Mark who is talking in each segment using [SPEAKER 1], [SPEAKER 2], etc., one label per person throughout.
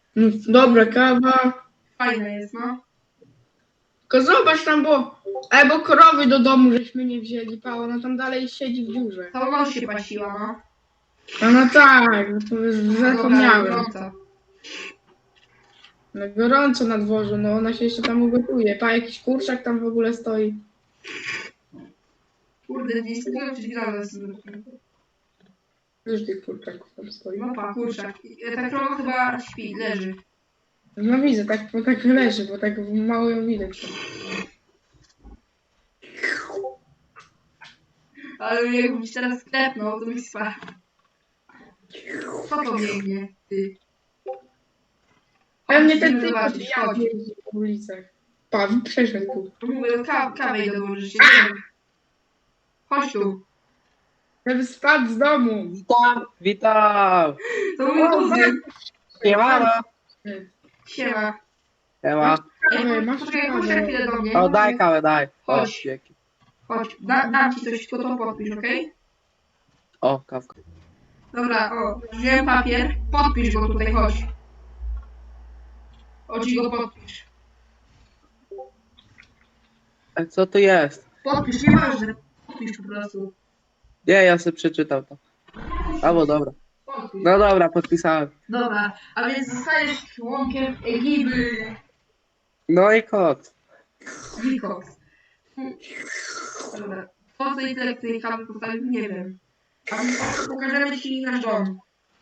[SPEAKER 1] Dobra, kawa.
[SPEAKER 2] Fajna jest, no.
[SPEAKER 1] Tylko zobacz tam, bo krowy do domu żeśmy nie wzięli, Paweł, no tam dalej siedzi w dziurze.
[SPEAKER 2] Cała noc się pasiła, no.
[SPEAKER 1] No tak, no to już
[SPEAKER 2] Dobra,
[SPEAKER 1] zapomniałem.
[SPEAKER 2] gorąco.
[SPEAKER 1] No gorąco na dworzu, no ona się jeszcze tam ugotuje. Jakiś kurczak tam w ogóle stoi.
[SPEAKER 2] Kurde, nie skupiłem się grałem z...
[SPEAKER 1] Już tych kurczaków tam stoi.
[SPEAKER 2] No pa, kurczak. Ta krowa chyba śpi, leży.
[SPEAKER 1] No widzę, tak leży, bo tak mało ją widać.
[SPEAKER 2] Ale jakbyś teraz sklepnął, to byś spadł. Co to biegnie, ty?
[SPEAKER 1] Pewnie
[SPEAKER 2] Chodź,
[SPEAKER 1] ten
[SPEAKER 2] idziemy
[SPEAKER 1] typ
[SPEAKER 2] zobaczyć, chodź.
[SPEAKER 1] jeździ po ulicach. Pan przeszedł tu.
[SPEAKER 2] Mówię, kawę idę dołożyć. Chodź tu.
[SPEAKER 1] Żeby spadł z domu.
[SPEAKER 3] Witam!
[SPEAKER 2] To mój kuzyn.
[SPEAKER 3] Siemano!
[SPEAKER 2] Siema.
[SPEAKER 3] Siema.
[SPEAKER 2] Ej,
[SPEAKER 1] Masz
[SPEAKER 2] poczekaj,
[SPEAKER 1] kawę.
[SPEAKER 2] chodź na chwilę do mnie.
[SPEAKER 3] O, daj kawę, daj. O,
[SPEAKER 2] Chodź.
[SPEAKER 3] dzięki.
[SPEAKER 2] Chodź, dam ci coś, tylko to podpisz, okej?
[SPEAKER 3] O, kawka.
[SPEAKER 2] Dobra, o, wziąłem papier. Podpisz go tutaj, chodź. Chodź i go podpisz.
[SPEAKER 3] A co to jest?
[SPEAKER 2] Podpisz, nieważne. Podpisz po prostu.
[SPEAKER 3] Nie, ja sobie przeczytał to. Albo dobra.
[SPEAKER 2] Podpisz.
[SPEAKER 3] No dobra, podpisałem.
[SPEAKER 2] Dobra, a więc zostajesz członkiem ekipy
[SPEAKER 3] No i kot.
[SPEAKER 2] Wilcox. Dobra, po co i tyle tej kawy postawił, nie wiem. A pokażemy ci nasz dom.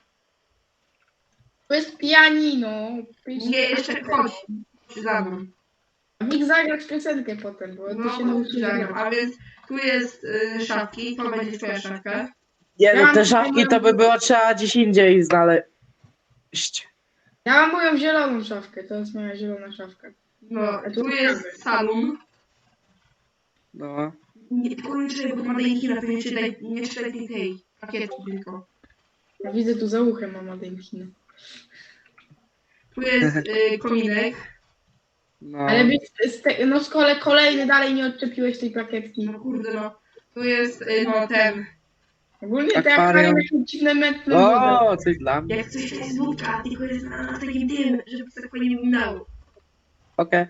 [SPEAKER 1] To jest pianino.
[SPEAKER 2] Nie, jeszcze chodź. Za mną.
[SPEAKER 1] Nikt zagrać piosenkę potem, bo
[SPEAKER 2] No,
[SPEAKER 1] to się nauczy
[SPEAKER 2] zagram.
[SPEAKER 1] grać.
[SPEAKER 2] A więc tu jest szafki, to będzie twoja szafka.
[SPEAKER 3] Nie, no te szafki to by było trzeba gdzieś indziej znaleźć.
[SPEAKER 1] Ja mam moją zieloną szafkę, to jest moja zielona szafka.
[SPEAKER 2] No, tu jest salon.
[SPEAKER 3] No.
[SPEAKER 2] Nie, tylko nie czytaj, bo to ma dajkina, to nie czytaj tej pakietki tylko.
[SPEAKER 1] Ja widzę tu za uchem mama Dękina.
[SPEAKER 2] Tu jest kominek.
[SPEAKER 3] No.
[SPEAKER 1] Ale no z kolei kolejny dalej nie odczepiłeś tej plakietki.
[SPEAKER 2] No kurde no. Tu jest no ten.
[SPEAKER 1] Ogólnie te
[SPEAKER 3] Akwarium.
[SPEAKER 1] akwarium jakieś dziwne metry.
[SPEAKER 3] O, coś dla mnie.
[SPEAKER 2] Jak coś to jest wódka, tylko jest na takim tym, żeby to tak fajnie wyglądało.
[SPEAKER 3] Okej.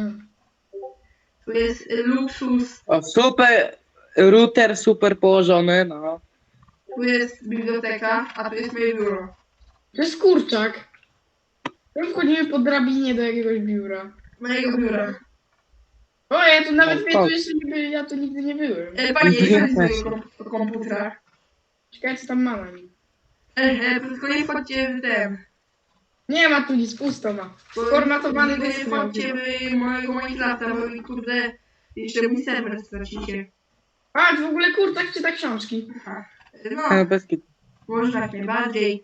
[SPEAKER 2] Tu jest luksus.
[SPEAKER 3] O, super. Router super położony, no.
[SPEAKER 2] Tu jest biblioteka, a tu jest moje biuro.
[SPEAKER 1] To jest kurczak. My wchodzimy po drabinie do jakiegoś biura.
[SPEAKER 2] Mojego biura.
[SPEAKER 1] O, ja tu nawet
[SPEAKER 3] O,
[SPEAKER 1] mnie
[SPEAKER 3] o.
[SPEAKER 1] tu jeszcze nie byłem, ja tu nigdy nie byłem.
[SPEAKER 2] Panie,
[SPEAKER 3] Ja
[SPEAKER 2] jest
[SPEAKER 3] też.
[SPEAKER 2] swojego komputera.
[SPEAKER 1] Ciekawe co tam ma na nim.
[SPEAKER 2] Tylko nie wchodźcie w ten.
[SPEAKER 1] Nie ma tu nic, pusto ma. Sformatowany
[SPEAKER 2] Tylko nie
[SPEAKER 1] dysk.
[SPEAKER 2] wchodźcie w mojego Minecrafta, bo mi kurde jeszcze mój serwer stracicie.
[SPEAKER 1] A, w ogóle kurczak czyta książki.
[SPEAKER 2] Aha.
[SPEAKER 3] No,
[SPEAKER 2] No,
[SPEAKER 3] bez kitu.
[SPEAKER 2] może jak najbardziej.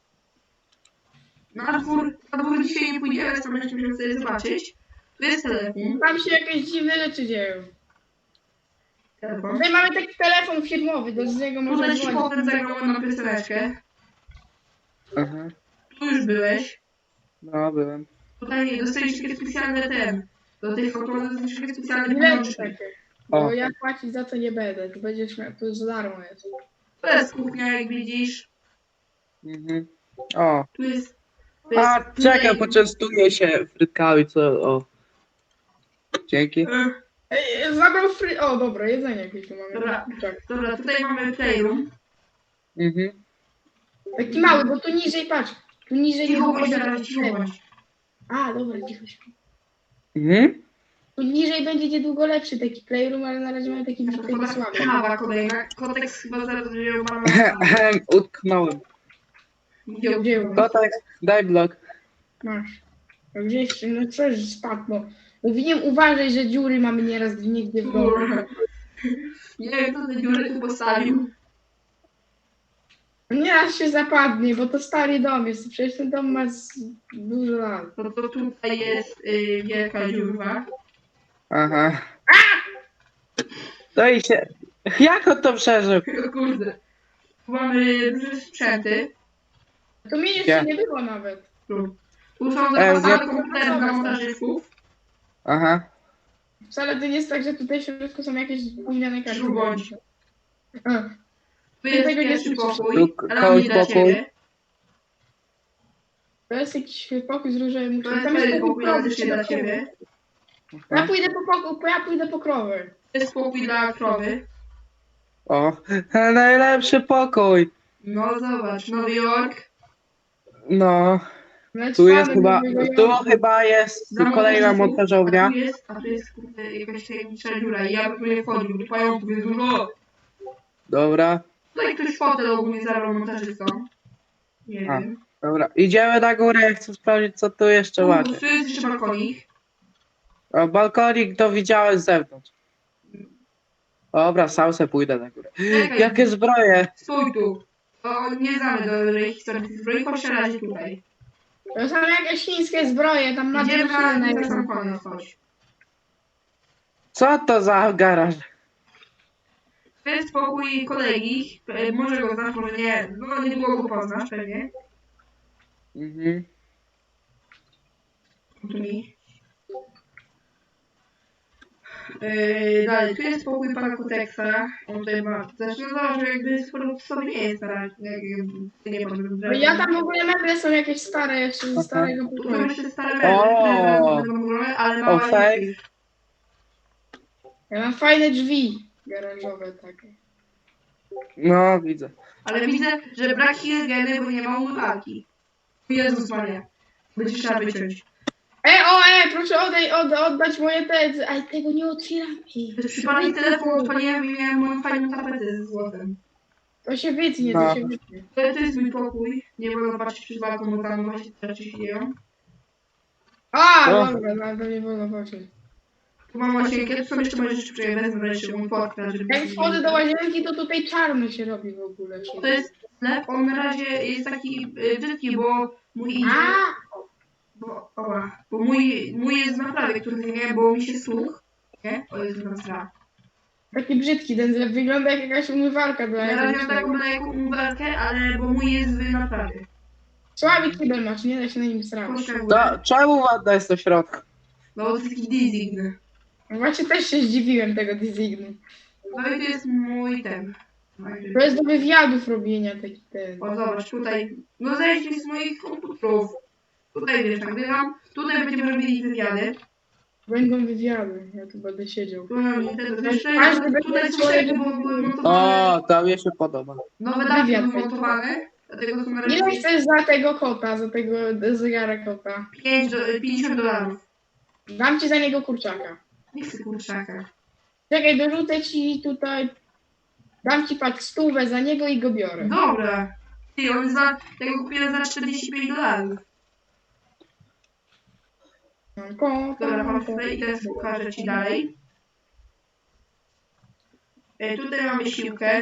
[SPEAKER 2] Na dwór dzisiaj nie pójdziemy, co będziemy sobie zobaczyć. Tu jest telefon.
[SPEAKER 1] Tam się jakieś dziwne rzeczy dzieją.
[SPEAKER 2] Telefon.
[SPEAKER 1] Tutaj mamy taki telefon firmowy, do niego można
[SPEAKER 2] Tutaj ci
[SPEAKER 1] dzwonić.
[SPEAKER 2] potem zagrałem na pioseneczkę.
[SPEAKER 3] Aha.
[SPEAKER 2] Tu już byłeś.
[SPEAKER 3] No, byłem.
[SPEAKER 2] Tutaj dostajesz takie specjalne do tych automatów dostajesz takie specjalne
[SPEAKER 1] Bilet
[SPEAKER 2] pieniążki.
[SPEAKER 1] takie.
[SPEAKER 3] O.
[SPEAKER 1] Bo ja płacić za to nie będę, to będziesz miał, to już za darmo jest.
[SPEAKER 2] To jest kuchnia, jak widzisz.
[SPEAKER 3] Mhm. O.
[SPEAKER 2] Tu jest...
[SPEAKER 3] A, czekaj, poczęstuję się frytkami, co... O. Dzięki.
[SPEAKER 1] Ej, zabrał O, dobra, jedzenie jakieś tu mamy.
[SPEAKER 2] Dobra.
[SPEAKER 1] Kurczak.
[SPEAKER 2] Dobra, tutaj mamy playroom.
[SPEAKER 3] Mhm.
[SPEAKER 1] Taki mały, bo tu niżej, patrz. Tu niżej
[SPEAKER 2] Cicho
[SPEAKER 1] nie
[SPEAKER 2] bądź
[SPEAKER 1] było
[SPEAKER 2] teraz, cicho bądź.
[SPEAKER 1] A, dobra, cicho się.
[SPEAKER 3] Mhm.
[SPEAKER 1] Tu niżej będzie niedługo lepszy taki playroom, ale na razie mamy taki słaby.
[SPEAKER 2] Kawa kolejna. Kodeks chyba zaraz wziął mam.
[SPEAKER 3] Utknąłem.
[SPEAKER 1] Gdzie
[SPEAKER 3] Kotek, daj blok.
[SPEAKER 1] masz? A gdzieś, no coś spadł, no. Mówiłem, uważaj, że dziury mamy nieraz nigdy w domu.
[SPEAKER 2] Nie wiem, kto te dziury tu postawił.
[SPEAKER 1] Nieraz się zapadnie, bo to stary dom jest. Przecież ten dom ma dużo lat.
[SPEAKER 2] No to tutaj jest wielka dziura.
[SPEAKER 3] Aha. No i się... Jak on to przeżył?
[SPEAKER 2] O kurde. Tu mamy duże sprzęty.
[SPEAKER 1] To mnie jeszcze nie było nawet.
[SPEAKER 2] Tu są
[SPEAKER 3] ja-
[SPEAKER 2] zapasowe komputery dla montażystów.
[SPEAKER 3] Aha.
[SPEAKER 1] Wcale to nie jest tak, że tutaj w środku są jakieś gówniane karty.
[SPEAKER 2] Bądź.
[SPEAKER 1] A,
[SPEAKER 2] Tu jest
[SPEAKER 1] Tego nie
[SPEAKER 2] pierwszy
[SPEAKER 1] słyszysz.
[SPEAKER 2] pokój.
[SPEAKER 3] Tu
[SPEAKER 2] Ale
[SPEAKER 3] kogoś
[SPEAKER 2] nie dla
[SPEAKER 3] pokój.
[SPEAKER 2] ciebie.
[SPEAKER 1] To jest jakiś pokój z różowym
[SPEAKER 2] To
[SPEAKER 1] łóżkiem.
[SPEAKER 2] jest
[SPEAKER 1] Tam
[SPEAKER 2] fajny
[SPEAKER 1] jest
[SPEAKER 2] pokój, ale też nie dla ciebie.
[SPEAKER 1] Ja pójdę po pokój, ja pójdę po krowy.
[SPEAKER 2] To jest pokój dla krowy.
[SPEAKER 3] O, najlepszy pokój.
[SPEAKER 2] No zobacz, Nowy Jork.
[SPEAKER 3] No,
[SPEAKER 1] Nawet
[SPEAKER 3] tu jest
[SPEAKER 1] fanem
[SPEAKER 3] chyba,
[SPEAKER 1] Nowego
[SPEAKER 3] tu
[SPEAKER 1] Jorku.
[SPEAKER 3] chyba jest
[SPEAKER 2] Zamek
[SPEAKER 3] kolejna
[SPEAKER 2] Jeżysów,
[SPEAKER 3] montażownia.
[SPEAKER 2] a tu jest kurde, jakaś tajemnicza dziura i ja bym tu nie wchodził, bo pająków jest dużo.
[SPEAKER 3] Dobra,
[SPEAKER 2] Tutaj ktoś fotel ogólnie zabrał montażystom. Nie
[SPEAKER 3] A.
[SPEAKER 2] wiem.
[SPEAKER 3] dobra. Idziemy na górę, ja chcę sprawdzić, co tu jeszcze macie.
[SPEAKER 2] Tu jest jeszcze balkonik.
[SPEAKER 3] A balkonik to widziałem z zewnątrz. Dobra, sam se pójdę na górę.
[SPEAKER 2] Czekaj.
[SPEAKER 3] Jakie zbroje?
[SPEAKER 2] Stój tu. To nie znamy do historii tych zbroi, chodź na razie tutaj.
[SPEAKER 1] To są jakieś chińskie zbroje, tam na
[SPEAKER 2] Idziemy na
[SPEAKER 1] delfiny
[SPEAKER 2] sam
[SPEAKER 1] są.
[SPEAKER 2] koniec, chodź.
[SPEAKER 3] Co to za garaż?
[SPEAKER 2] To jest pokój kolegi. Może go znasz, może nie. No niedługo go poznasz pewnie.
[SPEAKER 3] Mhm.
[SPEAKER 2] Tu mi. Dalej, tu jest pokój pana Kuteksa. On tutaj ma. Zresztą zobacz, że jakby sporo w sobie nie jest stara. Nie powiem,
[SPEAKER 1] No ja tam w ogóle meble są jakieś stare jeszcze ze
[SPEAKER 3] Aha.
[SPEAKER 1] starego
[SPEAKER 2] Tu są
[SPEAKER 1] pokoju.
[SPEAKER 2] jeszcze stare meble, które będą górne, ale
[SPEAKER 3] O,
[SPEAKER 2] mała
[SPEAKER 3] fake.
[SPEAKER 2] jest.
[SPEAKER 1] Ja mam fajne drzwi garażowe takie.
[SPEAKER 3] No, widzę.
[SPEAKER 2] Ale widzę, że brak higieny, bo nie ma umywalki. Jezus Maria. Będzie trzeba wyciąć.
[SPEAKER 1] Proszę oddać moje te... Aj, tego nie otwieram.
[SPEAKER 2] Przy pani telefon odpaliłem i miałem moją fajną tapetę ze złotem.
[SPEAKER 1] To się wytnie,
[SPEAKER 3] No.
[SPEAKER 1] to się wytnie.
[SPEAKER 2] To jest mój pokój. Nie wolno patrzeć przez balkon, bo tam właśnie te rzeczy się dzieją.
[SPEAKER 1] Dobra, no, to nie wolno patrzeć.
[SPEAKER 2] Tu mam łazienkę, tu są jeszcze moje rzeczy, które ja wezmę wreszcie mój portfel, żeby...
[SPEAKER 1] Jak wchodzę do łazienki, to tutaj czarno się robi w ogóle.
[SPEAKER 2] To jest sklep, on na razie jest taki brzydki, bo mój idzie...
[SPEAKER 1] A!
[SPEAKER 2] Bo mój jest w naprawie, który nie miałem, bo mi się słuch. Nie? O Jezu, tam sra.
[SPEAKER 1] Taki brzydki ten zlew, wygląda jak jakaś umywalka do
[SPEAKER 2] Na razie mam
[SPEAKER 1] elektrycznego.
[SPEAKER 2] taką lekką umywalkę, ale bo mój jest w naprawie.
[SPEAKER 1] Słaby kibel masz, nie da się na nim srać.
[SPEAKER 2] Chodź na górę.
[SPEAKER 3] To czemu ładna jest do środka?
[SPEAKER 2] No bo to jest taki design.
[SPEAKER 1] Właśnie też się zdziwiłem tego designu.
[SPEAKER 2] No i to jest mój ten.
[SPEAKER 1] To jest do wywiadów robienia taki ten.
[SPEAKER 2] O zobacz, tutaj. No zejdź z moich komputerów. Tutaj wiesz, nagrywam. Tutaj będziemy robili wywiady.
[SPEAKER 1] Będą wywiady, ja tu będę siedział.
[SPEAKER 2] Tu mam Nintendo.
[SPEAKER 1] Każdy będzie
[SPEAKER 2] Tutaj
[SPEAKER 1] swoje
[SPEAKER 2] coś były montowane.
[SPEAKER 3] O, to mi się podoba.
[SPEAKER 2] Nowe dachy
[SPEAKER 1] Wywiad
[SPEAKER 2] były
[SPEAKER 1] będzie.
[SPEAKER 2] montowane. Dlatego są na
[SPEAKER 1] Ile
[SPEAKER 2] razie
[SPEAKER 1] chcesz za tego kota, za tego zegara kota?
[SPEAKER 2] 50 dolarów.
[SPEAKER 1] Dam ci za niego kurczaka.
[SPEAKER 2] Nie chcę kurczaka.
[SPEAKER 1] Czekaj, dorzucę ci tutaj. Dam ci patrz 100 za niego i go biorę.
[SPEAKER 2] Dobra. Ty, on ja go kupiłem za 45 dolarów.
[SPEAKER 1] Mam kota.
[SPEAKER 2] Dobra, mam tutaj i teraz pokażę ci dalej. Tutaj mamy siłkę.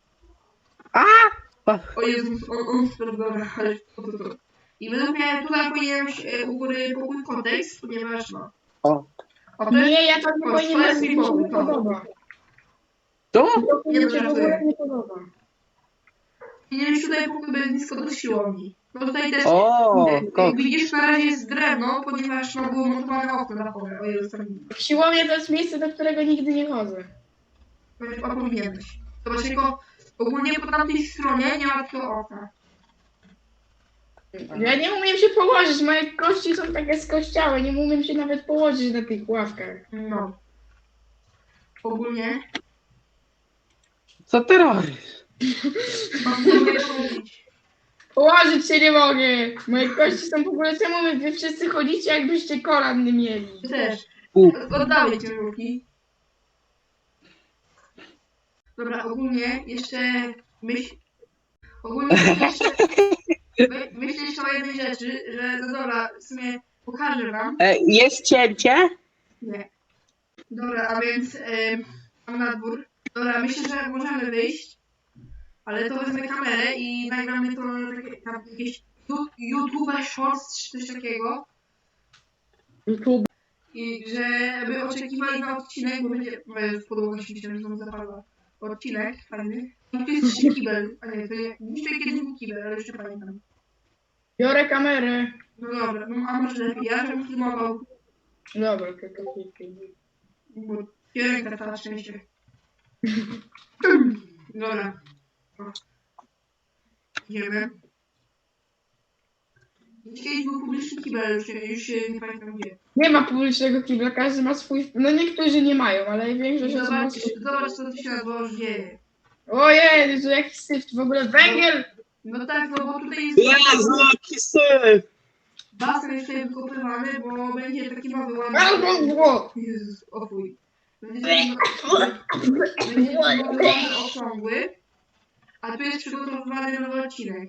[SPEAKER 2] O Jezus, dobra, ale to. I według mnie tutaj powinienem u góry pokój kontekst, ponieważ no.
[SPEAKER 3] O.
[SPEAKER 2] O, to jest,
[SPEAKER 1] Nie, ja tam nie
[SPEAKER 2] to jest
[SPEAKER 1] powinienem,
[SPEAKER 2] mi
[SPEAKER 1] mi się
[SPEAKER 2] pokój,
[SPEAKER 1] nie
[SPEAKER 2] to.
[SPEAKER 1] podoba.
[SPEAKER 3] Tu?
[SPEAKER 1] To mi się w ogóle nie podoba.
[SPEAKER 2] Powinienem tutaj pokój bez nisko do siłowni. No tutaj też,
[SPEAKER 3] O,
[SPEAKER 2] jak
[SPEAKER 3] kot.
[SPEAKER 2] widzisz, na razie jest drewno, ponieważ no było montowane okno dachowe. O Jezus, tam
[SPEAKER 1] Siłownia to jest miejsce, do którego nigdy nie chodzę.
[SPEAKER 2] powinieneś. Zobacz, tylko ogólnie po tamtej stronie nie ma takiego okna.
[SPEAKER 1] Ja nie umiem się położyć, moje kości są takie skościałe, nie umiem się nawet położyć na tych ławkach.
[SPEAKER 2] No. Ogólnie
[SPEAKER 3] Co ty robisz?
[SPEAKER 2] mam nie powiedzieć.
[SPEAKER 1] Położyć się nie mogę! Moje kości są w ogóle, czemu wy wszyscy chodzicie, jakbyście kolan nie mieli?
[SPEAKER 2] Ty też.
[SPEAKER 3] U.
[SPEAKER 2] Oddawaj ciężarówki. Dobra, ogólnie jeszcze myśl... Ogólnie jeszcze... Myślę jeszcze o jednej rzeczy, że no dobra, w sumie pokażę wam.
[SPEAKER 3] Jest cięcie?
[SPEAKER 2] Nie. Dobra, a więc mam na dwór. Dobra, myślę, że możemy wyjść. Ale to wezmę kamerę i nagramy to tam jakieś YouTube Shorts czy coś takiego.
[SPEAKER 1] YouTube.
[SPEAKER 2] I żeby oczekiwali na odcinek, bo będzie w podłogę się myślałem, że on zapadła. Odcinek fajny. I tu jest jeszcze kibel. A nie, to nie. Jeszcze kiedyś był kibel, ale jeszcze pamiętam.
[SPEAKER 1] Biorę kamerę.
[SPEAKER 2] No dobra, no a może lepiej. Ja żebym filmował,
[SPEAKER 1] Dobra, to
[SPEAKER 2] bo ręka cała szczęście. Dobra. O. Idziemy. Kiedyś był publiczny kibel, już się nie pamiętam gdzie.
[SPEAKER 1] Nie ma publicznego kibla, każdy ma swój... No niektórzy nie mają, ale większość osób ma swój...
[SPEAKER 2] Zobacz co tu się na dworze dzieje.
[SPEAKER 1] Ojej, to jakiś syf, w ogóle węgiel!
[SPEAKER 2] No tak, no bo tutaj jest
[SPEAKER 3] Jezu, jaki syf!
[SPEAKER 2] basen jeszcze wykopywany, bo będzie taki nowy ładny.
[SPEAKER 1] Albo
[SPEAKER 2] Jezus, ofuj. Będzie taki nowy ładny okrągły. A tu jest przygotowywany nowy odcinek.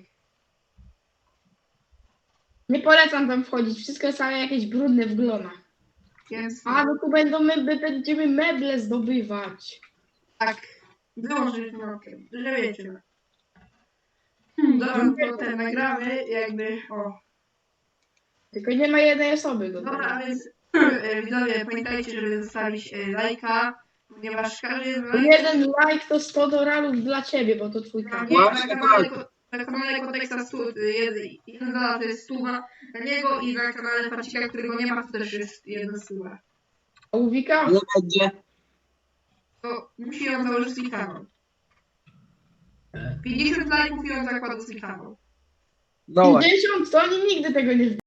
[SPEAKER 1] Nie polecam tam wchodzić, wszystko jest całe jakieś brudne w glonach.
[SPEAKER 2] Więc
[SPEAKER 1] A, no tu będziemy meble zdobywać.
[SPEAKER 2] tak, wyłączę knopkę, że wiecie. Dobra, to ten nagramy, jakby, o.
[SPEAKER 1] Tylko nie ma jednej osoby do
[SPEAKER 2] Dobra, a
[SPEAKER 1] tego.
[SPEAKER 2] więc widzowie, pamiętajcie, żeby zostawić lajka, ponieważ każdy
[SPEAKER 1] To
[SPEAKER 2] like
[SPEAKER 1] jeden like to 100 dolarów dla ciebie, bo to twój
[SPEAKER 2] na
[SPEAKER 1] kanał.
[SPEAKER 2] mnie,
[SPEAKER 3] Właśnie
[SPEAKER 2] na kanale Konteksta jeden dolar to jest stuwa na niego i na kanale Facika, którego nie ma, to też jest jedna stuwa.
[SPEAKER 1] A u Wika?
[SPEAKER 3] Nie będzie.
[SPEAKER 2] To musi ją założyć swój kanał. 50 lajków i on zakłada swój kanał.
[SPEAKER 3] No właśnie.
[SPEAKER 1] 50? To oni nigdy tego nie